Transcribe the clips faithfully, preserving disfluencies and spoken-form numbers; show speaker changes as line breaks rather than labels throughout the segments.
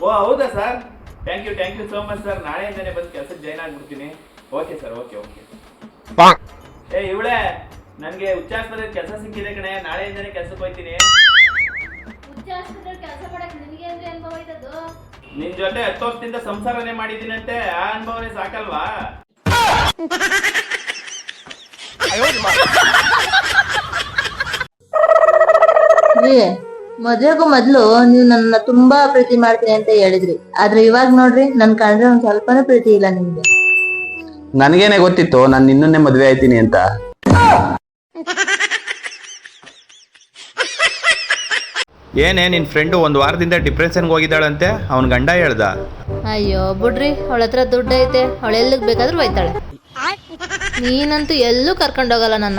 ಓ ಹೌದಾ sir, thank you thank you so much sir. ನಾಳೆಯಿಂದನೇ ಬಂದು ಕೆಲಸಕ್ಕೆ ಜಾಯ್ನ್ ಆಗ್ಬಿಡ್ತೀನಿ. Okay sir, okay okay. ಏ ಇವಳೆ, ನನಗೆ ಉಚ್ಚಾಸ್ಪತ್ರೆಯಲ್ಲಿ ಕೆಲಸ ಸಿಕ್ಕಿದೆ ಕಣೆ, ನಾಳೆಯಿಂದನೇ ಕೆಲಸಕ್ಕೆ ಹೋಗ್ತೀನಿ. ನಿನ್ ಜೊತೆ ಹತ್ತು ವರ್ಷದಿಂದ ಸಂಸಾರನೇ ಮಾಡಿದ್ದೀನಂತೆ, ಆ ಅನುಭವನೇ ಸಾಕಲ್ವಾ?
ಮದ್ವೆಗೂ ಮೊದ್ಲು ನೀವು ನನ್ನ ತುಂಬಾ ಪ್ರೀತಿ ಮಾಡ್ತೀನಿ ಅಂತ ಹೇಳಿದ್ರಿ, ಆದ್ರೆ ಇವಾಗ ನೋಡ್ರಿ ನನ್ ಕಂಡ್ರೆ ಒಂದ್ ಸ್ವಲ್ಪನೂ ಪ್ರೀತಿ ಇಲ್ಲ ನಿಮ್ಗೆ.
ನನ್ಗೇನೆ ಗೊತ್ತಿತ್ತು ನಾನು ನಿನ್ನನ್ನೇ ಮದ್ವೆ ಆಯ್ತೀನಿ ಅಂತ.
ಏನೇ ನಿನ್ ಫ್ರೆಂಡು ಒಂದ್ ವಾರದಿಂದ ಡಿಪ್ರೆಷನ್ಗೆ ಹೋಗಿದ್ದಾಳಂತೆ, ಅವನ್ ಗಂಡ ಹೇಳ್ದ.
ಅಯ್ಯೋ ಬಿಡ್ರಿ, ಅವಳ ಹತ್ರ ದುಡ್ಡು ಐತೆ, ಅವಳ ಎಲ್ಲಿಗ್ ಬೇಕಾದ್ರೂ ಹೋಯ್ತಾಳೆ. ನೀನಂತೂ ಎಲ್ಲೂ ಕರ್ಕೊಂಡೋಗಲ್ಲ ನನ್ನ.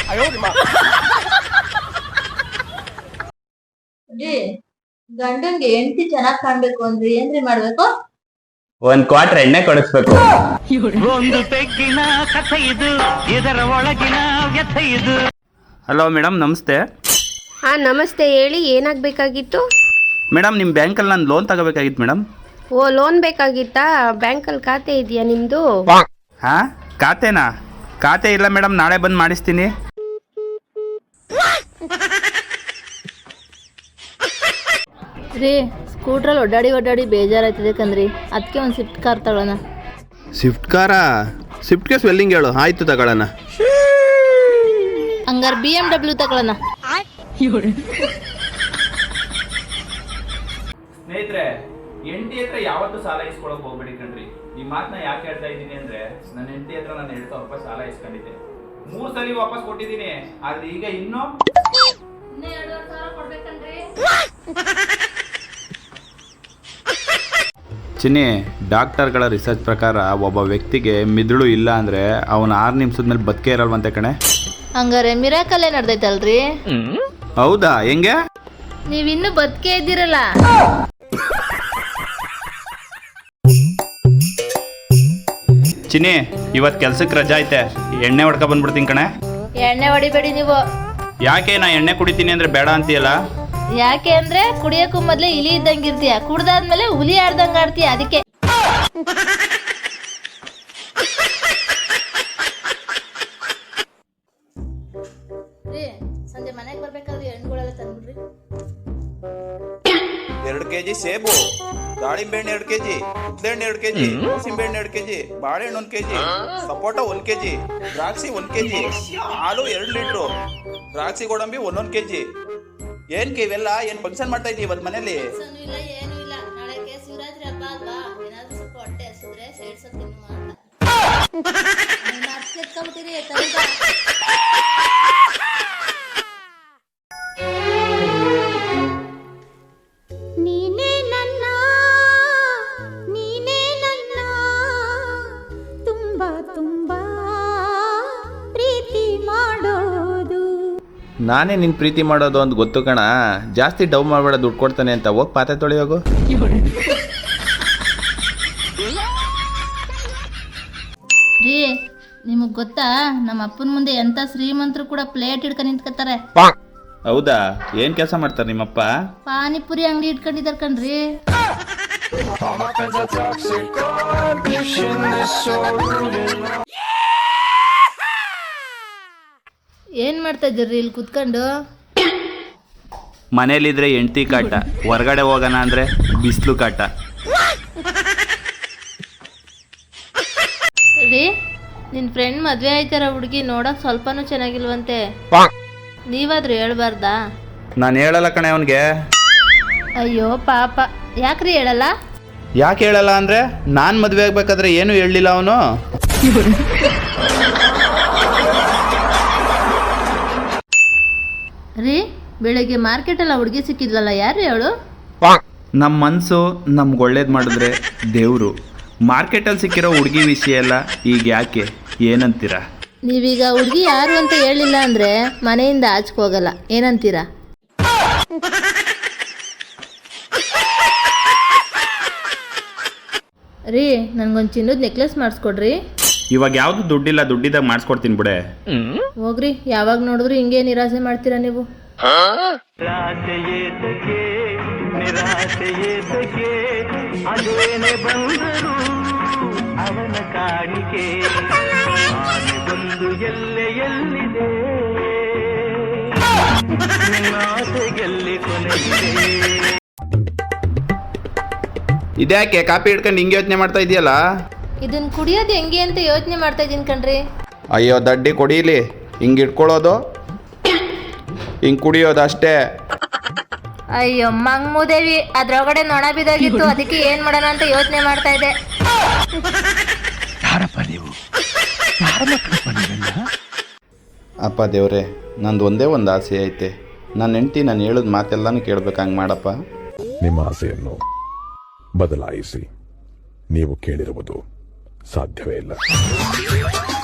ಗಂಡನ್ಗೆ ಹೆಂಡತಿ ಚೆನ್ನಾಗ್ ಕಾಣ್ಬೇಕು ಅಂದ್ರೆ ಏನ್ರಿ ಮಾಡ್ಬೇಕು?
ಒಂದ್ ಕ್ವಾರ್ಟರ್ ಎಣ್ಣೆ ಕೊಡಿಸ್ಬೇಕು.
ಒಂದು ಪೆಗ್ಗಿನ ಕಥೆ ಇದು, ಇದರ ಒಳಗಿನ ವ್ಯಥೆ ಇದು.
ಹಲೋ ಮೇಡಮ್, ನಮಸ್ತೆ.
ಹಾಂ ನಮಸ್ತೆ, ಹೇಳಿ ಏನಾಗಬೇಕಾಗಿತ್ತು?
ಮೇಡಮ್ ನಿಮ್ಮ ಬ್ಯಾಂಕಲ್ಲಿ ನಾನು ಲೋನ್ ತಗೋಬೇಕಾಗಿತ್ತು ಮೇಡಮ್.
ಓ ಲೋನ್ ಬೇಕಾಗಿತ್ತಾ? ಬ್ಯಾಂಕಲ್ಲಿ ಖಾತೆ ಇದೆಯಾ ನಿಮ್ಮದು?
ಹಾಂ ಖಾತೆನಾ? ಖಾತೆ ಇಲ್ಲ ಮೇಡಮ್, ನಾಳೆ ಬಂದು ಮಾಡಿಸ್ತೀನಿ.
ರೀ, ಸ್ಕೂಟ್ರಲ್ಲಿ ಒಡ್ಡಾಡಿ ಒಡ್ಡಾಡಿ ಬೇಜಾರಾಯ್ತದೆ ಕಣ್ರಿ, ಅದಕ್ಕೆ ಒಂದು ಸ್ವಿಫ್ಟ್ ಕಾರ್ ತಗೊಳ್ಳೋಣ.
ಸ್ವಿಫ್ಟ್ ಕಾರಾ? ಸ್ವಿಫ್ಟ್ಗೆ ಸ್ವೆಲ್ಲಿಂಗ್ ಹೇಳು, ಆಯ್ತು ತಗೊಳ್ಳೋಣ.
ಹಂಗಾರೆ ಬಿ ಎಮ್ ಡಬ್ಲ್ಯೂ ತಗೊಳ್ಳೋಣ.
ಸ್ನೇಹಿತರೆ, ಹೆಂಡತಿ ಹತ್ರ ಯಾವತ್ತೂ ಸಾಲ ಇಸ್ಕೊಳಕ್ ಹೋಗ್ಬೇಡಿ ಕಣ್ರಿ. ಈ ಮಾತನ್ನ ಯಾಕೆ ಹೇಳ್ತಾ ಇದ್ದೀನಿ ಅಂದ್ರೆ, ನನ್ನ ಹೆಂಡತಿ ಹತ್ರ ನಾನು ಎರಡು ಸಾವಿರ ರೂಪಾಯಿ ಸಾಲ ಇಸ್ಕೊಂಡಿದ್ದೆ. ಮೂರ್ ಸಲ ವಾಪಸ್ ಕೊಟ್ಟಿದ್ದೀನಿ, ಆದ್ರೆ ಈಗ ಇನ್ನೂ
ಚಿನ್ನಿ, ಡಾಕ್ಟರ್ಗಳ ರಿಸರ್ಚ್ ಪ್ರಕಾರ ಒಬ್ಬ ವ್ಯಕ್ತಿಗೆ ಮಿದುಳು ಇಲ್ಲ ಅಂದರೆ ಅವನು ಆರು ನಿಮಿಷದ ಮೇಲೆ ಬದುಕೇ ಇರಲ್ವಂತೆ ಕಣೆ.
ಹಂಗಾರೆ ಮಿರಾಕಲ್ಲೇ ನಡೆದೈತಲ್ರಿ?
ಹೌದಾ? ಹೆಂಗೆ?
ನೀವಿನ್ನೂ ಬದುಕೇ ಇದ್ದೀರಲ್ಲ.
ಚಿನ್ನಿ, ಇವತ್ತು ಕೆಲ್ಸಕ್ಕೆ ರಜಾ ಐತೆ, ಎಣ್ಣೆ ಹೊಡ್ಕೊ ಬಂದ್ಬಿಡ್ತೀನಿ ಕಣೆ.
ಎಣ್ಣೆ ಹೊಡಿಬೇಡಿ ನೀವು.
ಯಾಕೆ? ನಾ ಎಣ್ಣೆ ಕುಡಿತೀನಿ ಅಂದರೆ ಬೇಡ ಅಂತೀಯಲ್ಲ?
ಯಾಕೆ ಅಂದ್ರೆ ಕುಡಿಯೋಕ್ಕೂ ಮೊದ್ಲೇ ಇಲಿ ಇದ್ದಂಗೆ ಇರ್ತೀಯ, ಕುಡ್ದಾದ್ಮೇಲೆ ಹುಲಿ ಆಡ್ದಂಗೆ ಆಡ್ತೀಯ, ಅದಕ್ಕೆ. ಸಂಜೆ ಮನೆಗೆ ಬರ್ಬೇಕಾದ್ರೆ ಹಣ್ಣುಗಳೆಲ್ಲ ತಂದ್ಬಿಡ್ರಿ.
ಎರಡು ಕೆಜಿ ಸೇಬು, ದಾಳಿಂಬೆ ಹಣ್ಣು ಎರಡು ಕೆಜಿ, ಉದ್ಲೆಹಣ್ಣು ಎರಡು ಕೆಜಿ, ಮೂಸಿಂಬೆ ಹಣ್ಣು ಎರಡು ಕೆಜಿ, ಬಾಳೆಹಣ್ಣು ಒಂದ್ ಕೆಜಿ, ಸಪೋಟ ಒಂದ್ ಕೆಜಿ, ದ್ರಾಕ್ಷಿ ಒಂದ್ ಕೆಜಿ, ಹಾಲು ಎರಡು ಲೀಟ್ರು, ದ್ರಾಕ್ಷಿ ಗೋಡಂಬಿ ಒಂದೊಂದ್ ಕೆಜಿ. ಏನ್ ಇವೆಲ್ಲ ಏನ್ ಫಂಕ್ಷನ್ ಮಾಡ್ತಾ ಇದೀವಿ ಇವತ್ತು ಮನೇಲಿ?
ಇಲ್ಲ, ಏನು ಇಲ್ಲ, ನಾಳೆ ಶಿವರಾತ್ರಿ ಹಬ್ಬ ಅಲ್ವಾ, ಏನಾದ್ರೂ ಸ್ವಲ್ಪ ಹೊಟ್ಟೆ ಹಸಿದ್ರೆ ಸೇರ್ಸ ತಿನ್ನು ಅಂತ.
ನೀನೇ ನನ್ನ, ನೀನೇ ನನ್ನ ತುಂಬಾ ತುಂಬಾ ಪ್ರೀತಿ ಮಾಡೋದು.
ನಾನೇ ನಿನ್ನ ಪ್ರೀತಿ ಮಾಡೋದು ಅಂತ ಗೊತ್ತು ಕಣ. ಜಾಸ್ತಿ ಡವ್ ಮಾಡಬೇಡ, ದುಡ್ಡು ಕೊಡ್ತಾನೆ ಅಂತ. ಹೋಗಿ ಪಾತ್ರೆ ತೊಳೆಯೋಗು.
ರೀ, ನಿಮಗ್ ಗೊತ್ತಾ, ನಮ್ಮ ಅಪ್ಪನ ಮುಂದೆ ಎಂತ ಶ್ರೀಮಂತರು ಕೂಡ ಪ್ಲೇಟ್ ಹಿಡ್ಕೊಂಡು ನಿಂತ್ಕೊತಾರೆ.
ಹೌದಾ? ಏನ್ ಕೆಲಸ ಮಾಡ್ತಾರೆ ನಿಮ್ಮಪ್ಪ?
ಪಾನಿಪುರಿ ಅಂಗಡಿ ಇಟ್ಕೊಂಡಿದ್ದಾರೆ ಕಣ್ರಿ. ಏನ್ ಮಾಡ್ತಾ ಇದ್ದೀರಿ ಇಲ್ಲಿ ಕುತ್ಕೊಂಡು?
ಮನೇಲಿದ್ರೆ ಹೆಂಡ್ತಿ ಕಾಟ, ಹೊರಗಡೆ ಹೋಗೋಣ ಅಂದ್ರೆ ಬಿಸಿಲು ಕಾಟ.
ರೀ, ನಿನ್ ಫ್ರೆಂಡ್ ಮದ್ವೆ ಆಯ್ತಾರ ಹುಡುಗಿ ನೋಡಕ್ ಸ್ವಲ್ಪನೂ ಚೆನ್ನಾಗಿಲ್ವಂತೆ, ನೀವಾದ್ರೂ ಹೇಳ್ಬಾರ್ದಾ?
ನಾನು ಹೇಳಲ್ಲ ಕಣೆ ಅವನಿಗೆ.
ಅಯ್ಯೋ ಪಾಪ, ಯಾಕ್ರಿ ಹೇಳಲ್ಲ?
ಯಾಕೆ ಹೇಳಲ್ಲ ಅಂದ್ರೆ, ನಾನು ಮದುವೆ ಆಗ್ಬೇಕಾದ್ರೆ ಏನು ಹೇಳಲಿಲ್ಲ ಅವನು.
ರೀ, ಬೆಳಗ್ಗೆ ಮಾರ್ಕೆಟಲ್ಲ ಹುಡುಗಿ ಸಿಕ್ಕಿದ್ಲಲ್ಲ, ಯಾರು ಹೇಳು?
ನಮ್ಮ ಮನಸ್ಸು ನಮ್ಗೆ ಒಳ್ಳೇದು ಮಾಡಿದ್ರೆ ದೇವರು. ಮಾರ್ಕೆಟಲ್ಲಿ ಸಿಕ್ಕಿರೋ ಹುಡುಗಿ ವಿಷಯ ಎಲ್ಲ ಈಗ ಯಾಕೆ, ಏನಂತೀರಾ?
ನೀವೀಗ ಹುಡುಗಿ ಯಾರು ಅಂತ ಹೇಳಿಲ್ಲ ಅಂದ್ರೆ ಮನೆಯಿಂದ ಆಚೆಗೆ ಹೋಗಲ್ಲ, ಏನಂತೀರಾ? ರೀ, ನನ್ಗೊಂದು ಚಿನ್ನದ ನೆಕ್ಲೆಸ್ ಮಾಡಿಸ್ಕೊಡ್ರಿ.
ಇವಾಗ ಯಾವ್ದು ದುಡ್ಡಿಲ್ಲ, ದುಡ್ಡಿದಾಗ ಮಾಡಿಸ್ಕೊಡ್ತೀನಿ ಬಿಡೆ.
ಹೋಗ್ರಿ, ಯಾವಾಗ ನೋಡಿದ್ರು ಹಿಂಗೆ ನಿರಾಸೆ ಮಾಡ್ತೀರಾ ನೀವು.
ನಿರಾಸೆಯೇ ತಗೆ, ನಿರಾಸೆಯೇ ತಗೆ, ಅದೇನೆ ಬಂದರು ಅವನ ಕಾಣಿಕೆ ಆನೆ ಬಂದು ಎಲ್ಲೆ ಎಲ್ಲಿದೆ ನಿನ್ನ ಆಸೆಗೆಲ್ಲಿ ಕೊನೆಯಿದೆ.
ಇದ್ಯಾಕೆ ಕಾಪಿ ಹಿಡ್ಕೊಂಡು ಹಿಂಗೆ ಯೋಚನೆ ಮಾಡ್ತಾ ಇದೆಯಲ್ಲ?
ಇದನ್ನ ಕುಡಿಯೋದು ಹೆಂಗೆ ಅಂತ ಯೋಚನೆ ಮಾಡ್ತಾ ಇದ್ದೀನಿ ಕಣ್ರಿ.
ಅಯ್ಯೋ ದಡ್ಡಿ ಕೊಡೀಲಿ, ಹಿಂಗೆ ಇಟ್ಕೊಳ್ಳೋದು ಹಿಂಗೆ ಕುಡಿಯೋದು ಅಷ್ಟೇ.
ಅಯ್ಯೋ ಮಂಗ್ಮೂದೇವಿ, ಅದ್ರೊಳಗಡೆ ನೊಣ ಬಿದ್ದೋಗಿತ್ತು, ಅದಕ್ಕೆ ಏನ್ ಮಾಡೋಣ ಅಂತ ಯೋಚನೆ ಮಾಡ್ತಾ ಇದ್ದೆ.
ಅಪ್ಪ ದೇವ್ರೆ, ನಂದು ಒಂದೇ ಒಂದು ಆಸೆ ಐತೆ. ನನ್ನ ಹೆಂಡತಿ ನಾನು ಹೇಳಿದ ಮಾತೆಲ್ಲನೂ ಕೇಳ್ಬೇಕು, ಹಂಗೆ ಮಾಡಪ್ಪ.
ನಿಮ್ಮ ಆಸೆಯನ್ನು ಬದಲಾಯಿಸಿ. ನೀವು ಕೇಳಿರುವುದು ಸಾಧ್ಯವೇ ಇಲ್ಲ.